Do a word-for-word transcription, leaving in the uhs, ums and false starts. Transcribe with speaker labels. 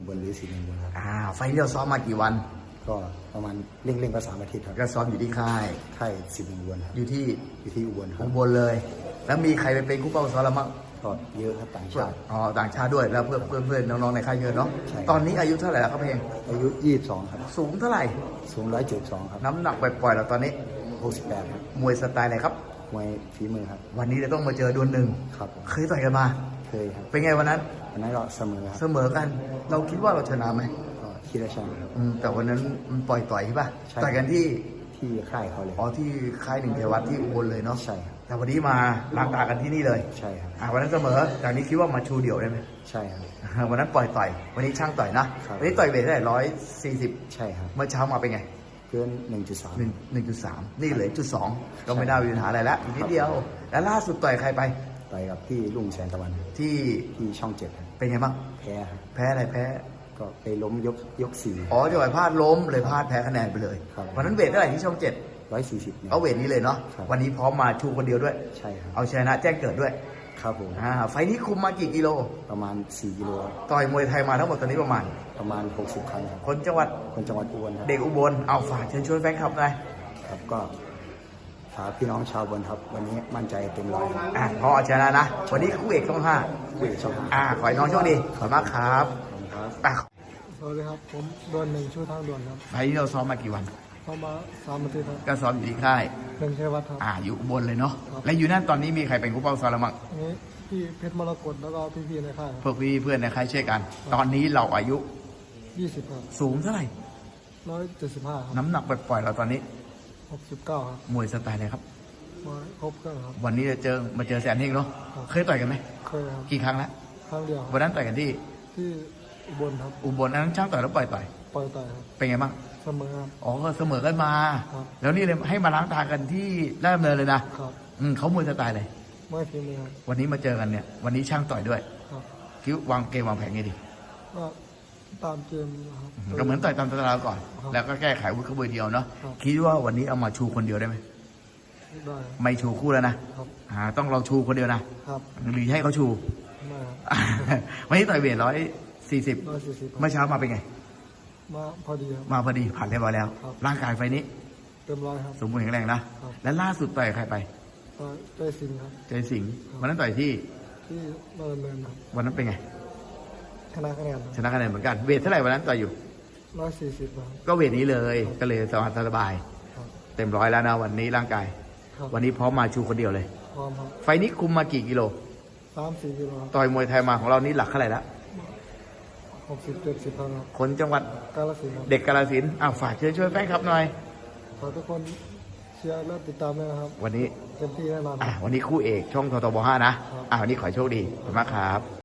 Speaker 1: บนหรือสีนินบนครับ
Speaker 2: อ่าไฟล์ที่เราซ้อมมากี่วัน
Speaker 1: ก็ประมาณเร่งๆก็สามอาทิตย์ครับ
Speaker 2: ก็ซ้อมอยู่ที่ค่าย
Speaker 1: ค่ายสิบนินบนครับ
Speaker 2: อยู่ที่
Speaker 1: อยู่ที่อุบลครั
Speaker 2: อุ
Speaker 1: บ
Speaker 2: บลเลย แล้วมีใครไปเป็นคู่เป้าซ้อมเรามั้ง
Speaker 1: ก็เยอะครับต่างชาติ
Speaker 2: อ๋อต่างชาติด้วยแล้วเพื่อนเพื่อนเพื่อนน้องๆในค่ายเยอะเนาะตอนนี้อายุเท่าไหร่แล้วครับเพลง
Speaker 1: อายุยี่สิบสองครับ
Speaker 2: สูงเท่าไหร่
Speaker 1: สูงร้อยเจ็ดสิบสองครับ
Speaker 2: น้ำหนักปล่อยๆเราตอนนี้
Speaker 1: หกสิบแปดครับ
Speaker 2: มวยสไตล์อะไรครับ
Speaker 1: มวยฝีมือครับ
Speaker 2: วันนี้จะต้องมาเจอดวลหนึ่ง
Speaker 1: ครับ
Speaker 2: เคยต่อยกันมา
Speaker 1: เคยครับ
Speaker 2: เป็นไงวันนั้น
Speaker 1: วันนั้นก็เสมอครับ
Speaker 2: เสมอกันเราคิดว่าเราชนะไหม
Speaker 1: ก็คิดว่าชนะครับ
Speaker 2: แต่วันนั้นมันปล่อยต่อยใช่ป่ะ
Speaker 1: ใช่
Speaker 2: ต่อยกันที่
Speaker 1: ที่ค่ายเขาเลย
Speaker 2: อ๋อที่ค่ายหนึ่งเทวัตที่อุบลเลยเนาะ
Speaker 1: ใช่ครับ
Speaker 2: แต่วันนี้มาล้างตากันที่นี่เลย
Speaker 1: ใช่ครับ
Speaker 2: อ่าวันนั้นเสมอจากนี้คิดว่ามาชูเดี่ยวได้ไหม
Speaker 1: ใช่ครับ
Speaker 2: วันนั้นปล่อยต่อยวันนี้ช่างต่อยนะวันนี้ต่อยเวทได้ร้อยสี่สิบ
Speaker 1: ใช่ครับ
Speaker 2: เมื่อเช้ามาเป็นไง
Speaker 1: เกินหนึ่งจุดสาม
Speaker 2: หนึ่งหนึ่งจุดสามนี่เหลือจุดสองก็ไม่ได้มีปัญหาอะไรแล้วอีกนิดเดียวแล้วล่าสุดต่อยใครไป
Speaker 1: ต่อยกับพี่ลุงแสนตะวัน
Speaker 2: ที่
Speaker 1: ที่ช่องเจ็ด
Speaker 2: เป็นไงบ้าง
Speaker 1: แพ้ครับ
Speaker 2: แพ้อะไรแพ้
Speaker 1: ก็ไปล้มยกยกสี่
Speaker 2: อ๋อจะไปพลาดล้มเลยพลาดแพ้คะแนนไปเลยวันนั้นเวทเท่าไหร่ที่ช่องเจ็ด
Speaker 1: ร้อยสี่สิบ
Speaker 2: เอาเวทนี้เลยเนาะวันนี้พร้อมมาชูคนเดียวด้วย
Speaker 1: ใช่ครับ
Speaker 2: เอาชนะแจ้งเกิดด้วย
Speaker 1: ครับผม
Speaker 2: อ่าไฟนี้คุมมากี่กิโล
Speaker 1: ประมาณสี่กิโล
Speaker 2: ต่อยมวยไทยมาทั้งหมดตอนนี้ประมาณ
Speaker 1: ประมาณหกสิบครั้งครับ
Speaker 2: คนจังหวัด
Speaker 1: คนจังหวัดอุบลครับ
Speaker 2: เด็กอุบลเอาฝากเชิญชวนแฟนคลับหน่อย
Speaker 1: ครับก็ฝากพี่น้องชาวอุบลครับวันนี้มั่นใจเต็มร้อย
Speaker 2: อ่าพอชนะนะวันนี้คู่เอกช่องห้า
Speaker 1: คู่เอกช่องห้า
Speaker 2: อ่าขอให้น้องโชคดีขอบคุณมากครับ
Speaker 3: สวัสดีครับผมดวนหนึ่งชื่อทางด่วนครับ
Speaker 2: ไฟนี้เราซ้อมมากี่วัน
Speaker 3: เข้ามาสามอาทิตย์ครับ
Speaker 2: ก็ซ้อมอยู่ที่ค่าย
Speaker 3: หนึ่งชัยวัฒน์ครับ
Speaker 2: อ่าอยู่อุบลเลยเนาะและอยู่นั่นตอนนี้มีใครเป็นคู่เป้าซ้อมแล้วมั้ง
Speaker 3: นี้พี่เพชรมรกตแล้วก็พี่ๆในค่าย
Speaker 2: พวกพี่เพื่อนในค่ายช่วยกันตอนนี้เราอายุ
Speaker 3: ยี่สิบครับ
Speaker 2: สูงเท่าไหร่
Speaker 3: ร้อยเจ็ดสิบห้าครับ
Speaker 2: น้ำหนักปล่อยๆเราตอนนี้
Speaker 3: หกสิบเก้าครับ
Speaker 2: มวยสไตล์อะไรครับ
Speaker 3: มาครบเครื่องครับ
Speaker 2: วันนี้จะเจอมาเจอแสนเฮงเนาะเคยต่อยกันไหม
Speaker 3: เคยครับ
Speaker 2: กี่ครั้งแล้ว
Speaker 3: ครั้งเดียว
Speaker 2: วันนั้นต่อยกันที่
Speaker 3: ที่อุบลครับ
Speaker 2: อุบลนั้นช่างต่อยแล้วปล่อยต่อย
Speaker 3: ปล่อยต่อยครับ
Speaker 2: เป็นไงบ้าง
Speaker 3: เสมอครับ
Speaker 2: อ๋อเสมอกันมาแล้วนี่เลยให้มาล้างตากันที่ราชดำเนินเลยนะอืมเขามวยสไตล์เลย
Speaker 3: ไม่ฝีมือครับ
Speaker 2: วันนี้มาเจอกันเนี่ยวันนี้ช่างต่อยด้วยคิดวางเกมวางแผนไงดี
Speaker 3: ก็ตามเกมนะครับ
Speaker 2: ก็เหมือนต่อยตามตารางก่อนแล้วก็แก้ไขวุฒิขบวนเดียวเนาะคิดว่าวันนี้เอามาชูคนเดียวได้ไหม
Speaker 3: ได้
Speaker 2: ไม่ชูคู่แล้วนะครับอ่าต้องเราชูคนเดียวนะครับหรือให้เขาชู
Speaker 3: ไม่ครับ
Speaker 2: วันนี้ต่อยเวทร้อยสี่สิบ
Speaker 3: ร้อยสี่สิบ
Speaker 2: เมื่อเช้ามาเป็นไง
Speaker 3: มาพอดีครับ
Speaker 2: มาพอดีผ่านเรียบร้อยแล้วร่างกายไฟนี้
Speaker 3: เต็มร้อยครับ
Speaker 2: สมบูรณ์แข็งแรงนะและล่าสุดต่อยใครไป
Speaker 3: ใจสิงห์ครับ
Speaker 2: ใจสิงห์วันนั้นต่อยที่
Speaker 3: ที่ดำเนินครับ
Speaker 2: วันนั้นเป็นไง
Speaker 3: ชนะคะแนน
Speaker 2: ชนะคะแนนเหมือนกันเวทเท่าไหร่วันนั้นต่อยอยู่
Speaker 3: ร้อยสี่สิบ
Speaker 2: ก็เวทนี้เลยก็เลยสบายสบายเต็มร้อยแล้วนะวันนี้ร่างกายวันนี้พร้อมมาชูคนเดียวเลย
Speaker 3: พร้อมครับ
Speaker 2: ไฟนี้คุมมากี่กิโล
Speaker 3: สามสี่กิโล
Speaker 2: ต่อยมวยไทยมาของเรานี่หลักเท่าไหร่ละ
Speaker 3: หกสิบเจ็ดสิบครับ
Speaker 2: คนจังหวัด
Speaker 3: กาฬสินธุ์
Speaker 2: เด็กกาฬสินธุ์อ้าวฝากเชิญช่วยแฟนคลับหน่อย
Speaker 3: ขอทุกคนเชียร์และติดตามด้วยนะครับ
Speaker 2: วันนี้
Speaker 3: เต็มที่แน่นอน
Speaker 2: อ่าวันนี้คู่เอกช่องททบห้านะอ่าวันนี้ขอโชคดีขอบคุณมากครับ